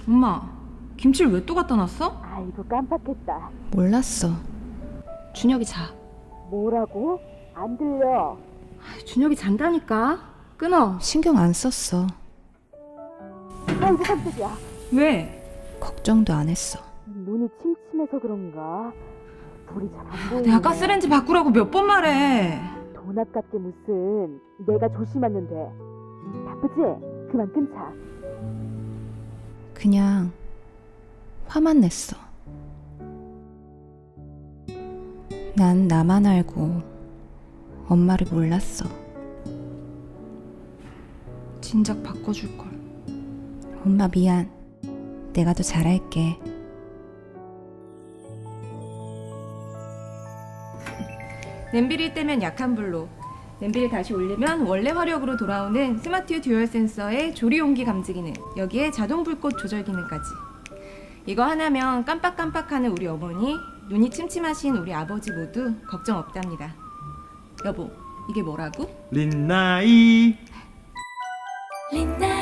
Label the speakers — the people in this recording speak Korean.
Speaker 1: 엄마, 김치를 왜 또 갖다 놨어?
Speaker 2: 아이고 깜빡했다.
Speaker 3: 몰랐어.
Speaker 1: 준혁이 자.
Speaker 2: 뭐라고? 안 들려.
Speaker 1: 준혁이 잔다니까. 끊어.
Speaker 3: 신경 안 썼어.
Speaker 2: 아이고 깜짝이야.
Speaker 1: 왜?
Speaker 3: 걱정도 안 했어.
Speaker 2: 눈이 침침해서 그런가? 불이 잘 안 보이네.
Speaker 1: 내가 가스레인지 바꾸라고 몇 번 말해.
Speaker 2: 돈 아깝게 무슨. 내가 조심하면 돼. 바쁘지? 그만 끊자.
Speaker 3: 그냥 화만 냈어. 난 나만 알고 엄마를 몰랐어.
Speaker 1: 진작 바꿔줄걸.
Speaker 3: 엄마 미안. 내가 더 잘할게.
Speaker 1: 냄비를 떼면 약한 불로, 냄비를 다시 올리면 원래 화력으로 돌아오는 스마트 듀얼 센서의 조리 온기 감지 기능, 여기에 자동 불꽃 조절 기능까지. 이거 하나면 깜빡깜빡하는 우리 어머니, 눈이 침침하신 우리 아버지 모두 걱정 없답니다. 여보, 이게 뭐라고?
Speaker 4: 린나이
Speaker 5: 린나